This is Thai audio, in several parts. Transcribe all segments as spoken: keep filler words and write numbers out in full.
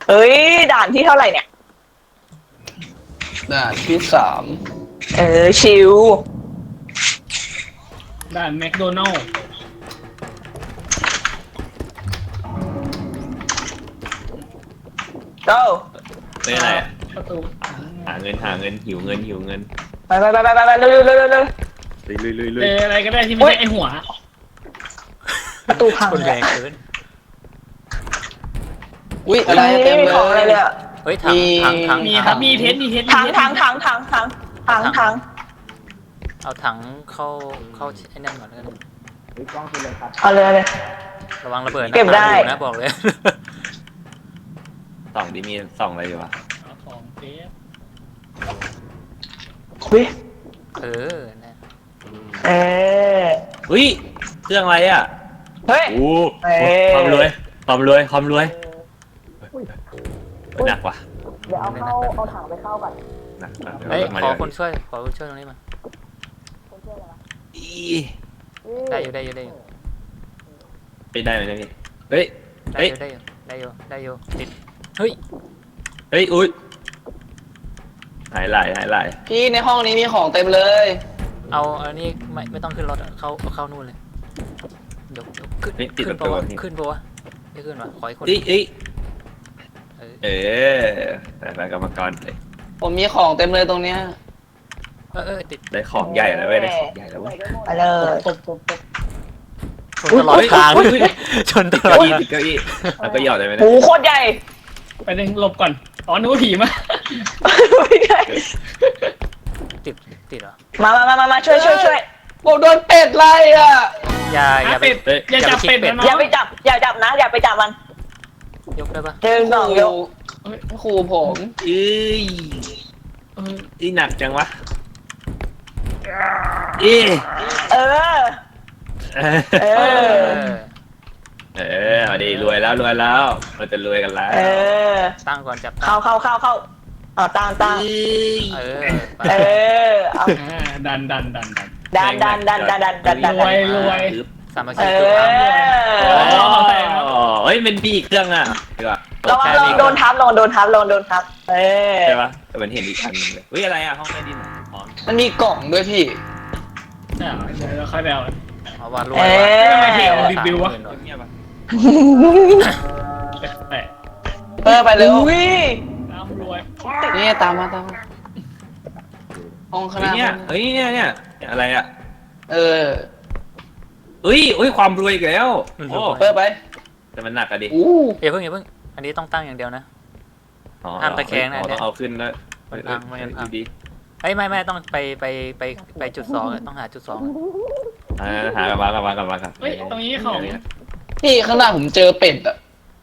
เฮ้ยด่านที่เท่าไหร่เนี่ยด่านที่สามเออชิวด่านแมคโดนัลด์ go เป็นอะไรอะประตูหาเงินหาเงินหิวเงินหิวเงินไปไปไปไปไปเร็วเร็วเร็วเร็วเร็วลุยลุยลุยลุเจยออะไรก็ได้ที่ไม่ใช่ไอหัวประตูพังคนเลแรยงเกินอุ้ยอะไรไม่เต็มมีเลของอะไรเลยยอะเฮ้ยถังมีถังถังมีครับมีเทสมีเทสทางทางทางทางทางทางทางเอาถังเข้าเข้าไอ้นั่นก่อนแล้วกันเอาเลยเอาเลยระวังระเบิดนะเก็บได้ตามอยู่นะบอกเลยส่องดิมีส่องอะไรอยู่วะเอาของเทสวิเออนะเอออุ้ยเครื่องอะไรอ่ะเฮ้ยโอ้เอ้ยความรวยความรวยความรวยหนักว่ะเดี๋ยวเอาเข้าเอาถังไปเข้าก่อนหนักหนักเฮ้ยมาขอดี๋วคนช่วยขอคนช่วยตรงนี้มาอีได้อยู่ได้อยู่ได้อยู่ไปได้ไหมเนะพี่เฮ้ยได้เฮ้ยอยู่ได้อยู่ได้อยู่ได้อยู่ติดเฮ้ยเฮ้ยอุ้ยหายไหลหายไหลพี่ในห้องนี้มีของเต็มเลยเอาอันนี้ไม่ไม่ต้องขึ้นรถอะเข้าเอาเข้านู่นเลยยกยกขึ้นนี่ติดขึ้ปนระปะตูวะนี่ขึ้นปะวะไม่ขึ้นวะขออีกคนเอ้ยเอ้ยเออเออแต่ไปกรรมกรเลยผมมีของเต็มเลยตรงเนี้ยเออเออติดได้ของใหญ่แล้วเว้ยได้ของใหญ่แล้วเว้ยไปเลยตบตบตบชนตลอดทางอุ๊ยอุ๊ยอุ๊ยชนตติดลอเก้าดอี้ติดเก้าอี้แล้วก็หยอดได้ไหมหูเนี่ยโคตรใหญ่ไปหนึ่งหลบก่อนอ๋อนึกว่าผีมาไม่ใช่ติดติดเหรอมามามามามาช่วยช่วยช่วยผมโดนเป็ดไล่อ่ะอย่าอย่าไปเป็ดอย่าจับเป็ดนะน้อย่าองไปจับอย่าจับนะอย่าไปจับมันยกได้ปะหนึ่งสองยกเฮ้ยครูผมเอ้ยเออนี่หนักจังวะเอ้ยเออเออเอเอออเออเอาดีรวยแล้วรวยแล้ว เราจะรวยกันแล้วเออตั้งก่อนจับตั้เข้าง เข้าเข้าเข้าเอาตั้งตั้งเออไปเออเอาอ่าดันดันดันดันดันดันดันดันดันดันดันรวยรวยสามัคเอคีทุกครั้งออ๋อเฮ้ยเป็นพี่อีกเครื่องอ่ะเดี๋ยวระวังระวังโดนทับระวังโดนทับระวังโดนทับเออใช่ปะแต่มันเห็นอีกอันหนึงเลยเฮ้ยอะไรอ่ะห้องใต้ดินอ๋อมันมีกล่องด้วยพี่อ่าเดี๋ยวเราค่อยไปเอาเอาว่ารวยเอว่ะอทำไมเพลงมันบิวๆวะเงียบๆปะแปะเออไปเร็วอุ้ยตามรวยนี่ตามมาตามมาห้องข้างหเฮ้ยน้าเนี่ยเฮ้ยเนี่ยเนี่ยอะไรอ่ะเออเฮ้ยเฮ้ยความรวยอีกแล้วโอ้เปิดไปแต่มันหนักอะดิอู้อย่าเพิ่งอย่าเพิ่งอันนี้ต้องตั้งอย่างเดียวนะอ๋อห้ามตะแคงนะอ๋อเนี่ต้อย งเอาขึ้นแล้วมันพังไม่งั้นพังดีเอ้ยไม่ไม่ต้องไปไปไปไปจุดสองอะต้องหาจุดสองอะๆอ่าหากลับมากลับมากลับมากลับเฮ้ยตรงนี้ของพี่ข้างหน้าผมเจอเป็ดอ่ะ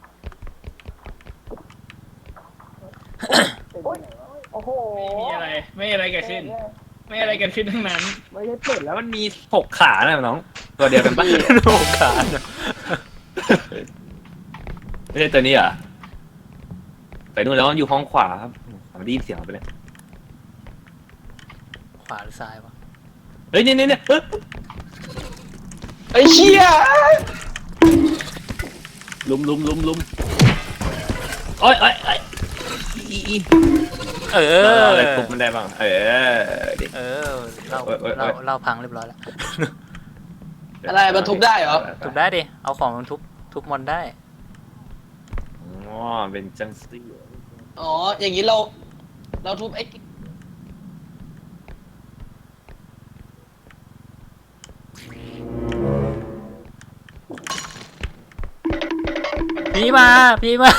โอ้โหไม่มีอะไรไม่มีอะไรเกิดขึ้น ไม่มีอะไรเกิดขึ้นทั้งนั้นไม่ได้เปิดแล้วมันมีหกขานะน้องตัวเดียวกันปะโลกาเนอะไม่ใช่ตัวนี้เหรอไปนู่นแล้วอยู่ห้องขวาครับผมได้ยินเสียงไปเลยขวาหรือซ้ายวะเฮ้ยเนี่ยเนี่ยเนี่ยเฮ้ยไอ้เชี่ยลุมลุมลุมลุมโอ้ยโอ้ยโอ้ยอีอีเอเออออะไรทุบมันได้บ้างเออดิเออเล่าโอ้ยโอ้ยโอ้เล่าย เล่าพังเรียบร้อยแล้วอะไรมันทุบได้เหรอทุบได้ดิเอาของมันทุบทุบมอนได้อ๋อเป็นจังซี่อ๋ออย่างนี้เรา เราทุบไอ้พี่มาพี่มา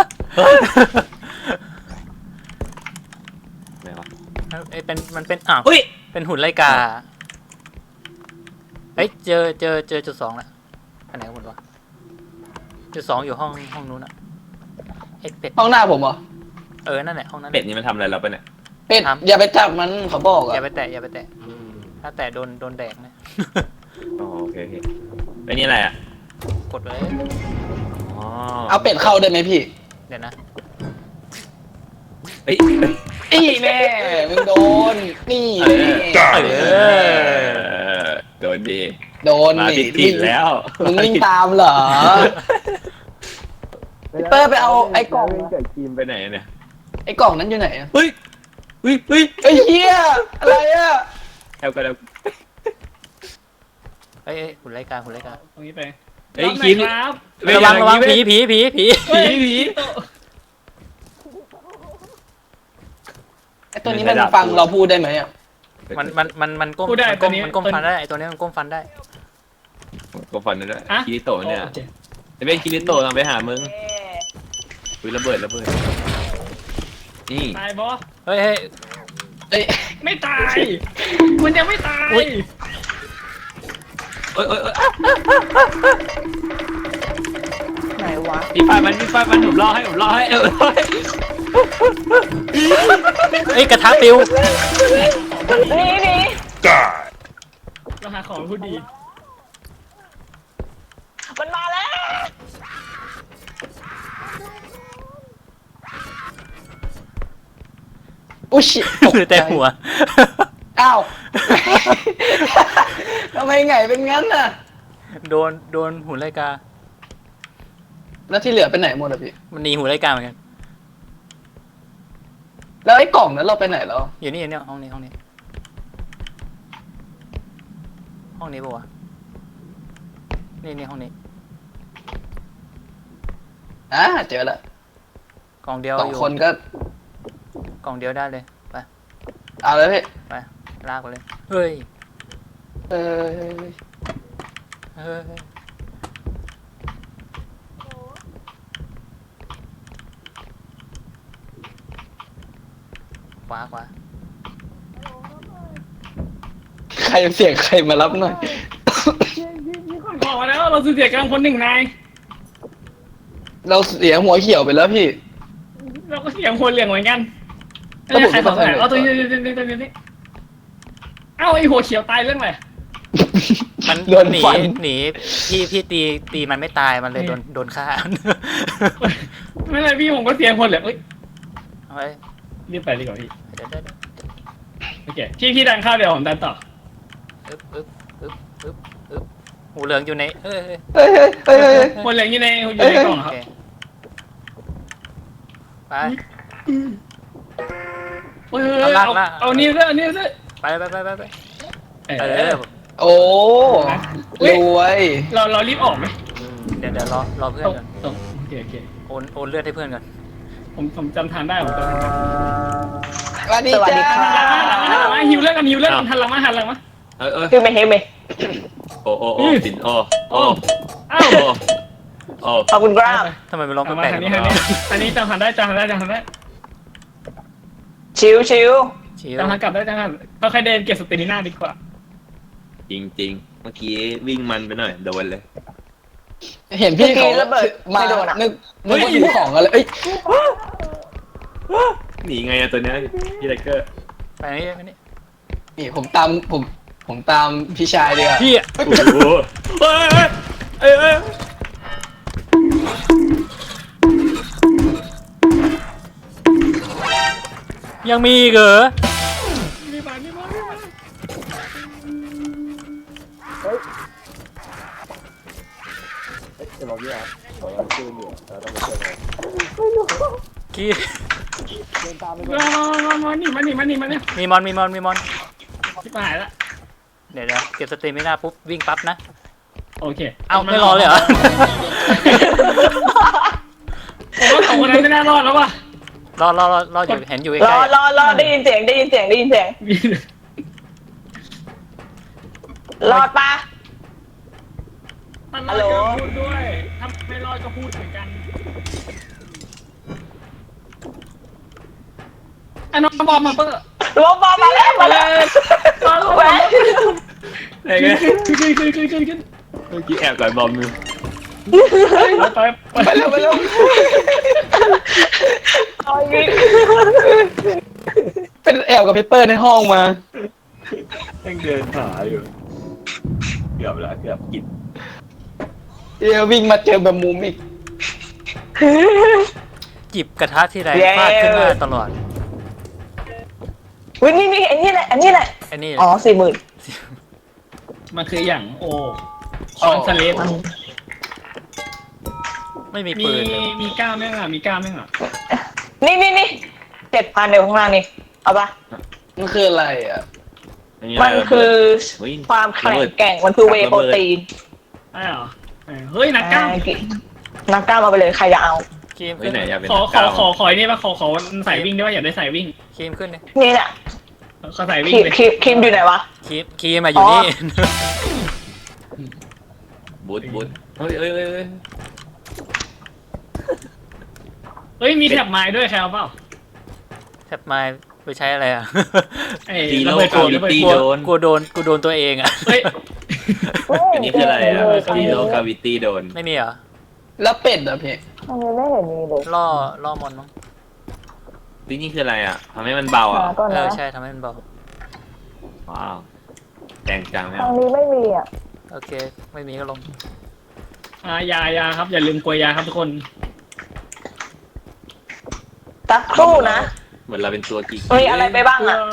ไหนวะเอ้ยเป็นมันเป็นอ้าวเฮ้ยเป็นหุ่นไลกาเฮ้ยเจอเจอเจอจุดสองแล้วอันไหนกันหมดวะจุดสองอยู่ห้องห้องนู้นอะไอ้เป็ดห้องหน้าผมเหรอเออนั่นแหละห้องนั้นเป็ดนี่มันทำอะไรเราไปะเนี่ยเป็ดครับอย่าไปจับมันเขาบอกอย่าอ่ะไปแตะอย่าไปแตะถ้าแตะโดนโดนแดกนะอ๋อโอเคโอเคไอ้นี่อะไรอ่ะกดเลยอ๋อเอาเป็ดเข้าได้ไหมพี่เดี๋ยวนะเฮ้ยนี่แน่มึงโดน นี่เอแน่อเอเอออโดนดีโดนมานี่ผิดถิ่นแล้วมึงวิ่งตามเหรอพี่เปิ้ลไปเอาไอ้กล่องเกิดครีมไปไหนเนี่ยไอ้กล่องนั้นอยู่ไหนอะเฮ้ยเฮ้ยเฮ้ยไอ้เหี้ยอะไรอะแอลกันแล้วเอ้ยเอ้ยหุ่นไล่กาหุ่นไล่กาตรงนี้ไปเฮ้ยรอบไหนครีมครับระวังระวังผีผีผีผีเฮ้ยผีไอ้ตัวนี้มันฟังเราพูดได้ไหมอะมันมันมันมันก้มมันก้มมันก้มฟันได้ไอตัวนี้มันก้มฟันได้ก็ฟันนั่นแหละอะคิริโตะเนี่ยโอคจะเป็นคิริโตะเราไปหามึงเอ๊ะอุ้ยระเบิดระเบิดนี่ตายบอสเฮ้ยเฮ้ยเอ้ยไม่ตาย มันยังไม่ตายเอ้ยเอ้ยเอ้ยไหนวะมีไฟมันมีไฟมันผมรอให้ผมรอให้เออเอ้ยกระทะปิวหนี่นี่เราหาของผู้ดีมันมาแล้วอุ๊ยชิตกหรือแต่หัวอ้าวทำไมไงเป็นงั้นน่ะโดนโดนหุ่นไล่กาแล้วที่เหลือไปไหนหมดอะพี่มันหนีหุ่นไล่กาเหมือนกันแล้วไอ้กล่องนั้นเราไปไหนแล้วอยู่นี่อยู่นี่ห้องนี้ห้องนี้ ห้องนี้ปะวะนี่นี่ห้องนี้อ่าเจอละกล่องเดียวสองอยู่คนก็กล่องเดียวได้เลยไปเอาเลยพี่ไปลากไปเลยเฮ้ยเออเฮ้ยขวาขวาใครเสียงใครมารับหน่อยบอกมาแล้วเราสูญเสียกำลังคนหนึ่งนายเราเสียหัวเขียวไปแล้วพี่เราก็เสียงคนเหลืองเหมือนกันแล้วผมใครสองจะไปไหนไหนเอาตัวนี้ตัวนี้ตัวนี้ตัวนี้เอ้าไอหัวเขียวตายเรื่องอะไรมันโดนหนีฟันหนีพี่พี่ตีตีมันไม่ตายมันเลยโดนโดนฆ่าไม่เป็นไรพี่ผมก็เสียงคนเหลืองเอ้ยเอาไว้รีบไปดีกว่าพี่เดี๋ยวเดี๋ยวเดี๋ยวโอเคพี่พี่ดันเข้าเดี๋ยวผมดันต่ออึ๊บอึ๊บอึ๊บอึ๊บอึ๊บหูเหลืองอยู่ในเอ้ยเอ้ยเฮ้ยเฮ้ยเฮ้ยเฮ้ยคนเหลืองอยู่ในอยู่ในกล่องโอครับเคไปเฮ้ยเอาเอานี่ซะเอานี่ซะไปไปไปไปไปเอเอออโอ้รวยเราเรารีบออกไหมเดี๋ยวเดี๋ยวรอรอเพื่อนตรงก่อนตรงโอเคโอเคโอนโอนเลือดให้เพื่อนก่อนผมผมจำทางได้ผมจำทางได้สวัสดีสวัสดีจ้าค่ะหันหลังมาหันหลังมาหิวเลือดกันหิวเลือดกันหันหลังมาหันหลังมาเออเออคือไม่เห็นไหมโอ้โอ้โอ้สินโอ้โอ้อ้าวโอ้โอ้ขอบคุณครับทำไมมันร้องเอาแปมาลกทางๆนี้ทางนี้อันนี้จำทางได้จำทางได้จำทางได้ชิวชิวชิวจำทางกลับได้จำทางเราใครเดินเก็บสเตมิน่าดีกว่าจริงจริงๆเมื่อกี้วิ่งมันไปหน่อยโดนเลยเห็นพี่เขามานึกนึกว่าอยู่ของอะไรเอ้ยหนีไงอะตัวเนี้ยพี่ไทเกอร์ไปนี่ไปนี่นี่ผมตามผมผมตามพี่ชายดีกว่าพี่โอ้โหเฮ้ยเฮ้ยเฮ้ยเฮ้ยยังมีอีกเหรอมีมามีมามีมากี้มามามานี่มานี่มานี่มานี่มีมอนมีมอนมีมอนชิบหายละเดี๋ยวเดี๋ยวเก็บสเตมิน่าปุ๊บวิ่งปั๊บนะโอเคเอ้าไม่รอเลยเหรอผมว่าสองคนนั้นไม่น่ารอดแล้วว่ะรอรอรอรออยู่เห็นอยู่รใกอล้รอรอได้ยินเสียงได้ยินเสียงได้ยินเสียง รอดปะมันรอดก็พูดด้วยถ้าไม่รอดก็พูดเหมือนกันไอ้น้องบอมมาเปิ้ลรถบอลมาแล้วมามาเลแล้วยมาลงแหวมานไหนไงขึ้นขึ้นขึ้นขึ้นขึ้นขึ้นเมื่อกี้แอบก่อนบอมมือไปไปไปเร็วไปเร็วเอาอีกเป็นแอบกับพี่เปิ้ลในห้องมายังเดินหาอยู่เกือบแล้วเกือบกินเดี๋ยววิ่งมาเจอแบบมุมอีกจิบกระทะที่ไรฟาดขึ้นหน้าตลอดวินี่นี่อันนี้แหละอันนี้แหละไอ้นี่อ๋อสี่หมื่นมันคืออย่างโอคอนเซเลสไม่มีมีปืนเลยมีก้าวแม่งอ่ะมีก้าวแม่งอ่ะนี่นี่นี่เจ็ดพันเดี๋ยวข้างล่างนี่เอาปะมันคืออะไรอ่ะมันคือความแข็งแกร่งมันคือเวย์โปรตีนใช่เหรอเฮ้ยนักก้าวอ่านักกล้ามเอาไปเลยใครจะเอาครีมเฮ้ขึ้ยนไหนอยากเป็นขอนักขอกล้ามขอขอไอ้นี่ป่ะขอขอใส่วิ่งได้ป่ะอยากได้ใส่วิ่งครีมขึ้นเลยนี่แหละขอใส่วิ่คงรีมเลยครีมครีมอยู่ไหนวะครีมครีมมาอยู่นี่บูทบูทเฮ้ยเฮ้ยเฮ้ยเฮ้ยเฮ้ยมีแถบไม้ด้วยใครเอาเปล่าแทบมาไปใช้อะไรอ่ะไอ้ตีโลระเบิดกาโกรธวิระเบิดตี้โกรโดธนกูโดนกูโดนตัวเองอ่ะเฮ้ยอันนี้คืออะไรอ่ะตีโลกาวิตี้โดนไม่มีเหรอแล้วเป็ดอ่ะพี่อันนี้ไม่เห็นมีเลยล่อล่อมอนมั้งที่นี่คืออะไรอ่ะทำให้มันเบาอ่ะมาก่อนเอนะอใช่ทำให้มันเบาว้าวแต่งจังไหมทางนี้ไม่มีอ่ะโอเค ไม่มีก็ลงอ่ายายาครับอย่าลืมกลัวยาครับทุกคนสักครู่นะเหมือนเราเป็นตัวกีมีอะไรไปบ้างอ่ะ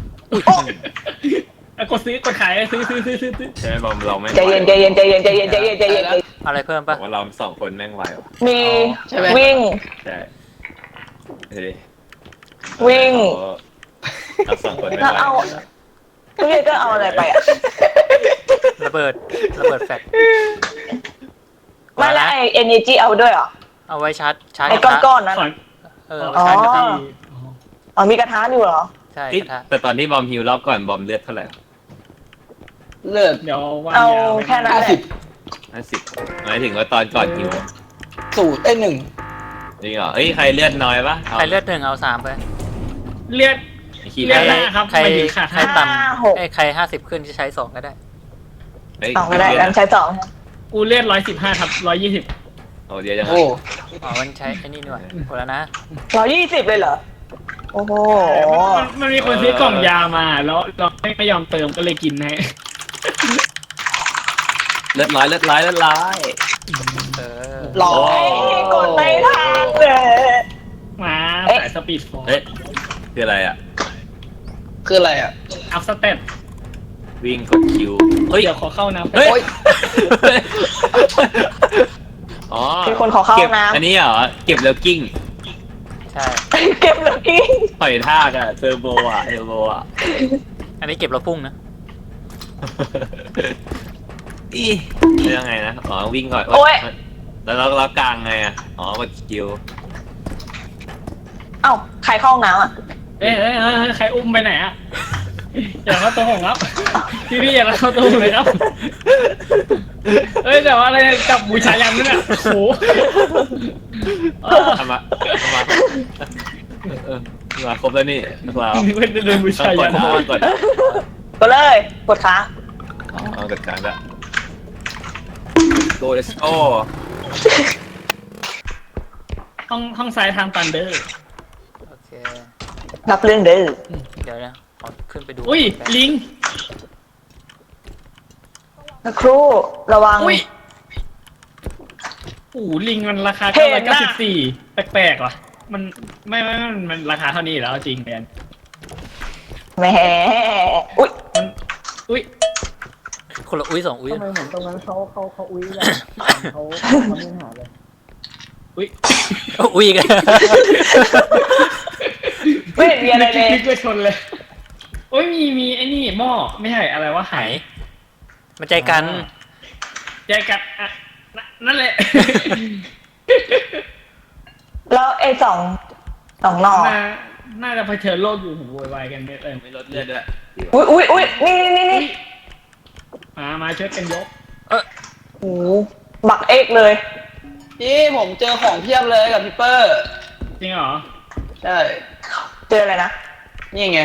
อ่ะกดซื้อกดขายซื้อซื้อซื้อซื้อซื้อใช่ไหมบอมเราไม่ใจเย็นใจเย็นใจเย็นใจเย็นใจเย็นใจเย็นอะไรเพิ่มบอปะกว่าเราสองคนแม่งไวว่ะมีใช่ไหมวิ่งใช่เฮ้ยวิ่งเราสองคนไม่แล้วไหวเอาพี่เก็เอาอะไรไปอ่ะระเบิดระเบิดแฟลชไม่แล้วไอเอเนจีเอาด้วยเหรอเอาไว้ชาร์จชาร์จไอกระทะก้อนๆนั้นขอเออขอเอาไว้ชาร์จกระทะอ๋อ อ๋อมีกระทะอยู่เหรอใช่เอ้ยกระทะแต่ตอนที่บอมฮิวรอบก่อนบอมเลือดเท่าไหร่เลือดเดี๋ยววางเอายาไว้แค่นั้นห้าแหละสิบห้าสิบหมายถึงว่าตอนก่อนฮิวสูตรไอ้หนึ่งจริงเหรอเอ้ยใครเลือดน้อยปะาใครเลือดหนึ่งเอาสามไปเลือดขี้เลือดได้ห้าครับใครหมายถึงขาดใครห้าต่หกำไอ้ยใครห้าสิบขึ้นจะใช้สองก็ได้เฮ้ยสองก็ได้งั้นใช้สองกูเลือดร้อยสิบห้าครับร้อยยี่สิบโอ้เดี๋ยวยังไงโอ้อ๋อมันใช้ไอ้นี่ด้วยหมดแล้วนะร้อยยี่สิบเลยเหรอ โอ้โหมันมันมีคนซื้อกล่องยามาแล้วเราไม่ไม่ยอมเติมก็เลยกินให้เลือดร้อยเลือดร้อยเลือดร้อยเออหล่อเฮ้ยกดไม่ทันเลยมาเอ๊ะสายสปีดฟอร์เฮ้ยคืออะไรอ่ะคืออะไรอ่ะอัพสเตตวิ่งกดคิวเฮ้ยเดี๋ยวขอเข้าน้ำเฮ้ยโอ๊ยอ๋อมีคนขอเข้าเก็บน้ำอันนี้เหรอเก็บแล้วกิ้งใช่เก็บเลยพี่ปล่อยท่ากอะเทอร์โบอะเทอร์โบอะอันนี้เก็บแล้วพุ่งนะอียังไงนะอ๋อวิ่งก่อนโอ๊ยแล้วเราเรากลางไงอะอ๋อกดคิวเอ้าใครเข้าห้องน้ำอ่ะเอ้ยเอ้ยเอ้ยเอ้ยใครอุ้มไปไหนอะอย่าเข้าตัวผมครับพี่พี่อย่าเข้าตัวผมเลยครับเอ้ยแต่ว่าอะไรกับบูชายันนั่นน่ะโอ้โหเออทำมาทำมาเออมาครบแล้วนี่เรานึกว่าจะเดินบูต้อชางกยัดนต้องกดกดเลย กดค้างเอากดกลางละโกเลสโอห้องห้องซ้ายทางตันเดอร์โอเครับเรื่องเด้อเดี๋ยวนะขอขึ้นไปดูอุ้ยลิงสักครู่ระวังอุ้ยโอ้โหลิงมันราคาเห็เก้าน ร้อยเก้าสิบน่ะสี่แปลกๆว่ะมันไม่ไม่ไม่มันราคาเท่านี้อยู่แล้วจริงแมนแหมอุ้ยมันอุ้ยคนละอุ้ยสองอุ้ยทำไมเหมือนตรงนั้นเขาเขาเขาอุ้ยกันเขาเขาไม่หาเลยอุ้ยอุ้ยกันไม่เห็นมีอะไรเลยนึกว่าชนเลยโอ้ยมีมีไอ้นี่หม้อไม่ใช่อะไรวะไหหายมันใจกันใจกัดอ่ะนั่นนั่นแหละแล้วไอ้สองสองหนอน่าน่าจะเผชิญโลกอยู่ผมโวยวายกันเยอะเลยไม่ลดเลือดด้วยอุ้ยอุ้ยอุ้ยนี่นี่นี่มามาช่วยกันยกโอ้โหบักเอกเลยพี่ผมเจอของเพียบเลยกับพี่เปอร์จริงเหรอใช่เจออะไรนะนี่ไง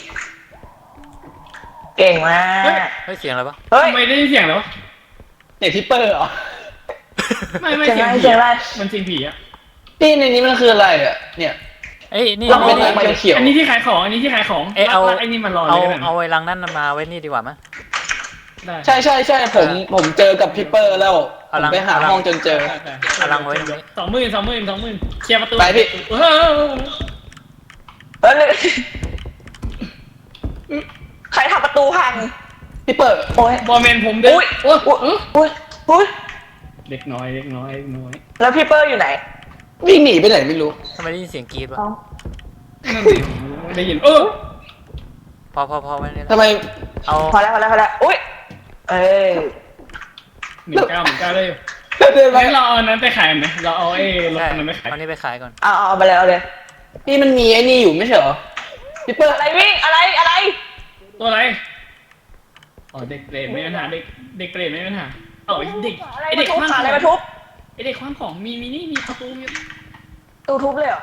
เก่งมากเฮ้ยเสียงอะไรปะเฮ้ยทำไมได้ยินเสียงแล้ววะเนี่ยพี่เปอร์เหรอไม่ไม่เสียงเสียงอะไรผีเสียงอะไรอะมันเสียงผีอะพี่ในนี้มันคืออะไรอ่ะ เนี่ยเอ้ยนี่เราเอาเป็นไว้อะไรเขียวอันนี้ที่ขายของอันนี้ที่ขายของเอ้ยเอาแล้วไอ้นี่มันรอเลเอายก็ได้นะเอาไว้ลังนั่นมาไว้นี่ดีกว่ามั้ยได้ใช่ใช่ใช่ผมผมเจอกับพี่เปอร์แล้วผเอามลังไปหาเอาลังห้องจนเจอได้ได้เอาลังไว้ตรงนี้สองหมื่นสองหมื่นสองหมื่นเคลียร์ประตูไปพี่เออเฮ้ยใครทำประตูพังพี่เปอร์โอ้ยบอลแมนผมเด้อุ๊ยโอ้ยอุ้ยเอออุ้ยอุ้ยเด็กน้อยเด็กน้อยเด็กน้อยแล้วพี่เปอร์อยู่ไหนวิ่งหนีไปไหนไม่รู้ทำไมได้ยินเสียงกรี๊ดวะเอ้านั่นสิได้ยินเออพอพอพอไว้เนี่ยทำไมเอาพอแล้วพอแล้วพอแล้วอุ้ยเอ้ยหนึ่งเก้าหนึ่งเก้าได้อยู่เดินไปงั้นเราเอาอันนั้นไปขายไหมเราเอาไอ้รถใช่อันนั้นไปขายเอานี่ไปขายก่อนเอาเอาเอาไปเลยเอาเลยพี่มันมีไอ้นี่อยู่ไม่ใช่เหรอพี่เปิ้ลอะไรวิ่งอะไรอะไรตัวอะไรอ๋อเด็กเปรตไม่มีปัญหาเด็กเด็กเปรตไม่มีปัญหาเอ๋อเด็กอะไรไอมาเด็กทุบคว้างขหาองอะไรมาทุบไอเด็กคว้างของมีมีนี่มีประตูมีตูทุบเลยเหรอ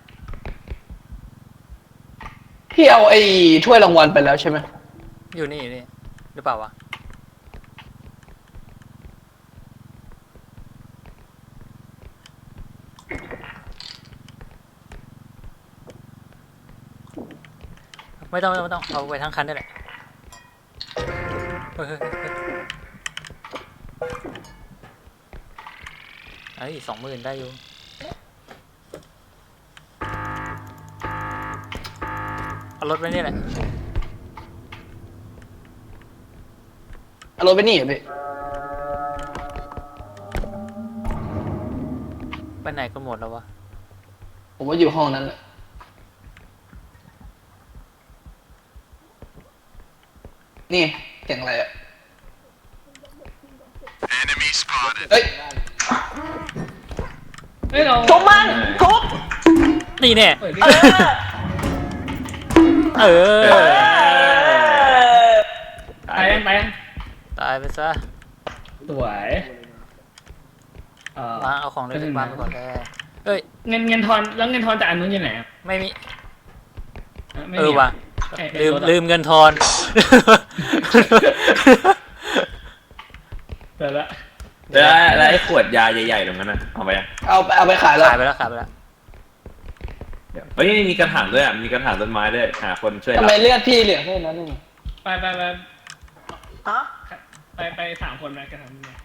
พี่เอาไอ้ถ้วยรางวัลไปแล้วใช่ไหมอยู่นี่อยู่นี่หรือเปล่าวะไม่ต้องไม่ต้องไม่ต้องเอาไปทั้งคันได้แหละเฮ้ยเฮ้ยเฮ้ยเฮ้ยสองหมื่นได้อยู่เอารถไปนี่แหละเอารถไปนี่เหรอพี่ไปไหนกันหมดแล้ววะผมว่าอยู่ห้องนั้นแหละนี่เสียงอะไรอ่ะเฮ้ยเฮ้ยเราทุบมันทุบนี่แน่เปิดดิเออเอเอออไปยังไปยังตายไปซะสวยเอ่อวางเอาของเล่นในบ้านไปก่อนได้เอ้ยเงินเงินทอนแล้วเงินทอนจากอันนู้นอยู่ไหนอะไม่มีไม่เอมีอว่ะไอ้ไอ้ลืมรถอะลืมเงินทอนเดี๋ยวละแล้วแล้วไอ้ขวดยาใหญ่ๆตรงนั้นน่ะเอาไปยังเอาไปเอาไปขายแล้วขายไปแล้วขายไปแล้วเดี๋ยวเฮ้ยมีกระถางด้วยอ่ะมีกระถางต้นไม้ด้วยหาคนช่วยทำรับไมเลือดพี่เหลือแค่นั้นเองไปไปไปฮะไปไปสามคนไปกันทำเนี่ย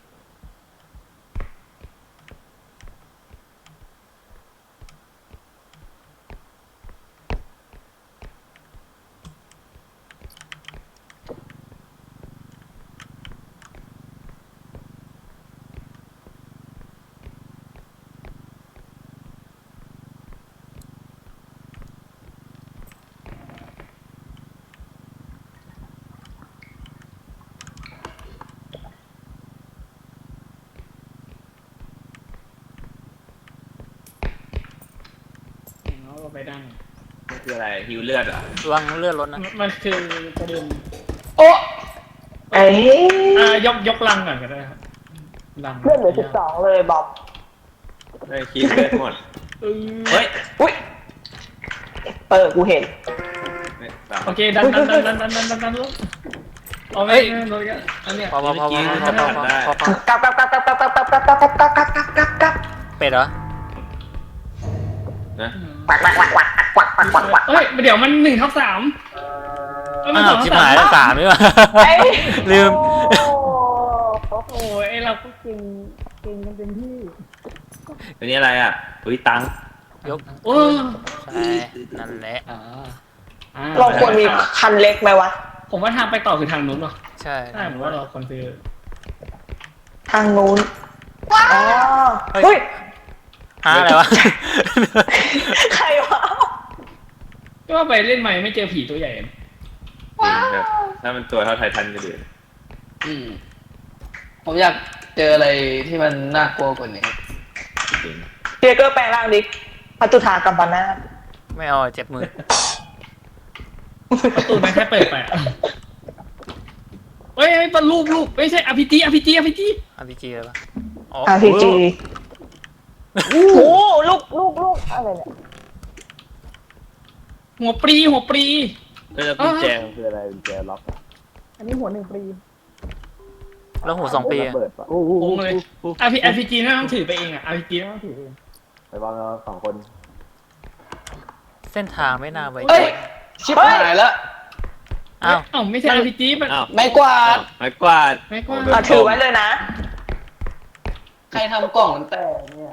เราก็ไปดังมันคืออะไรฮิวเลือดเหรอ่ะระวังเลือดรถนะมันคือกระดุมโอ้เอ้ยอ่ายกยกลังก่อนก็ได้ครับลังเลือดเหลือสิบสองเลยบอมได้คิดเลือดหมดเออเฮ้ยอุ้ยเปิดกูเห็นเนี่ยสามโอเคดันดันดันดันดันดันดันดันรถเอาไปรถกันอันเนี้ยพอพอพอพอพอพอพอพอพอกลับกลับกลับกลับกลับกลับกลับกลับกลับกลับกลับกลับกลับกลับกลับเป็ดเหรอนะวักวักวักวักวักวักวักวักเอ้ยเดี๋ยวมันหนึ่งทับสามเอ้ยมันอ้าสวองชิบทับหายสามแล้วสามนี่วะเอ้ยลืมโอ้ยไอเราก็กินกินกันเต็มที่อันนี้อะไรอ่ะเฮ้ยตังค์ยกโอ้ใช่นั่นแหละอ่าอ่าเราควรมีคันเล็กไหมวะผมว่าทางไปต่อคือทางนู้นหรอใช่ใช่ผมว่าเราควรซื้อทางนู้นอ๋อเฮ้ยหาอะไรวะใครวะก็ว่าไปเล่นใหม่ไม่เจอผีตัวใหญ่จริงครับถ้ามันตัวเท่าไททันก็ดีอืมผมอยากเจออะไรที่มันน่ากลัวกว่านี้จริงเพียเกอร์แปลงร่างดิพัตุธากัมปนาทไม่เอาเจ็บมือประตูมันแค่เปิดไปอะเฮ้ยเป็นรูปรูปไม่ใช่อภิจีอภิจีอภิจีอาร์พีจีเลยปะอ๋ออาร์พีจีโอ้โหลูกลูกลูกอะไรเนี่ยหัวปรีหัวปรีแล้วกุญแจมันคืออะไรกุญแจล็อกอะอันนี้หัวหนึ่งปรีแล้วหูสองปีอะเปิดปะโอ้โหโอ้เลยอภิอภิจีไม่ต้องถือไปเองอ่ะอภิจีไม่ต้องถือเองไปวางเราสองคนเส้นทางไม่น่าไว้ใจเอ้ย ชิบหายแล้วอ้าวเอ้าไม่ใช่อภิจีมันอ้าวไม่กวาดไม้กวาดไม่กว่าอ่ะถือไว้เลยนะใครทำกล่องมันแตกเนี่ย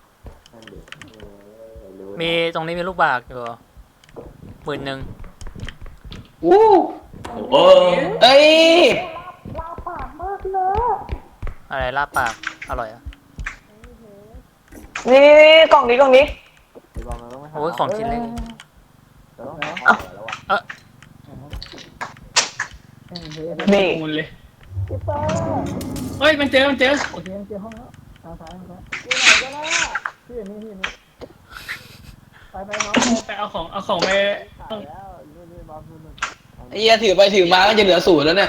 มีตรงนี้มีลูกบากอยู่หมื่นหนึ่งอู้โอ้โหเอ้ยอะไรลาบปากอร่อยอ่ะนี่กล่องนี้กล่องนี้โอ้ยของชิ้นเล็กนี่มูลเลยเฮ้ยมันเจอมันเจอโอเคเจอห้องแล้วทางซ้ายทางซ้ายที่ไหนก็ได้ที่นี่ที่นี่ไปไปน้องไปเอาของเอาของไปแล้วนี่นี่บอลนู่นนู่นไอ้เหี้ยถือไปถือมาก็จะเหลือศูนย์แล้วเนี่ย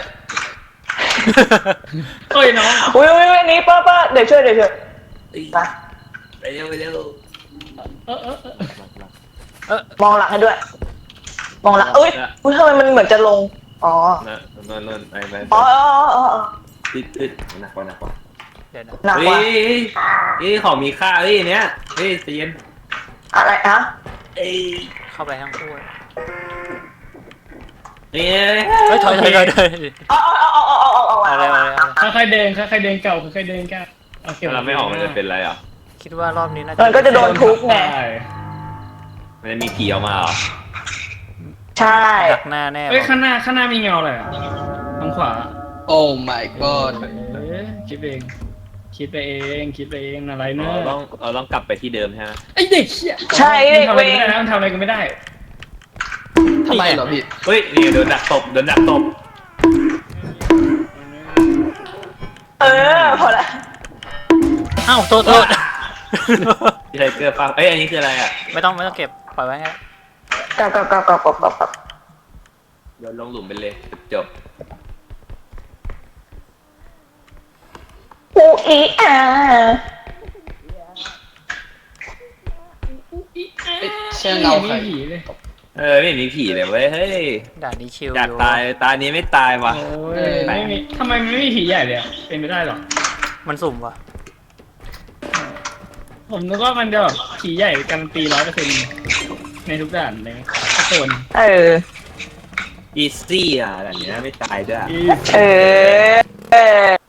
เฮ้ยน้องอุ้ยอุ้ยอันนี้ป้าป้าเดี๋ยวช่วยเดี๋ยวช่วยมาไปเร็วไปเร็วเออเออเออมองหลังให้ด้วย มองหลังเอ้ยอุ้ยทำไมมันเหมือนจะลงอ๋อนะนอนนอนไปไปอ๋ออ๋ออ๋ออ๋อติดติดหนักกว่าหนักกว่าเดี๋ยวนะหนักเฮ้กว่ายเฮ้ยของมีค่าเฮ้ยเนี้ยเฮ้ยใจเย็นอะไรอะเอ้ยเข้าไปทั้งคู่เฮ้ยเฮ้ยถอยถอยถอยถอยเอาเอาเอาเอาเอาเอาเอาอะไรอะไรอะไรค่อยๆเดินค่อยๆเดินเก่าค่อยๆเดินเก่าเอาเก็บเราไม่ออกมันจะเป็นไรอ่ะคิดว่ารอบนี้น่ามันก็จะโดนทุบไงใช่มันจะมีผีออกมาเหรอใช่ดักหน้าแน่เฮ้ยข้างหน้าข้างหน้ามีเงาอะไรอ่ะทางขวาโอ้ my god เอ๊ะคิดเอง คิดไปเองคิดไปเองอะไรเนเราอะต้องเราต้องกลับไปที่เดิมใช่ไหมไอเด็กเหี้ยใช่เด็กมันทำอะเวไรงไม่ได้นะมันทำอะไรก็ไม่ได้ทำไมเหรอพี่เฮ้ยนี่โดนดักตบโดนดักตบเออพอละอ้าวโทษโทษที่ไทเกอร์ฟ้าเอ้ยอันนี้คืออะไรอ่ะไม่ต้องไม่ต้องเก็บปล่อยไว้งั้นกลับกลับกลับกลับกลับกลับกลับโยนลงหลุมไปเลยจบอูอีอาเชื่อเงาใครไม่มีผีเลยเออไม่มีผีเลยเว้ยเฮ้ยด่านนี้ชิลอยากอยู่ตายตานี้ไม่ตายว่ะโอ้ยไม่มีทำไมมันไม่มีผีใหญ่เลยอะเป็นไม่ได้หรอมันสุ่มว่ะผมนึกว่ามันจะแบบผีใหญ่การันตีร้อยเปอร์เซ็นต์ในทุกด่านเลยทุกโซนเอออีซี่อ่ะแบบนี้ไม่ตายด้วยอีเออเออ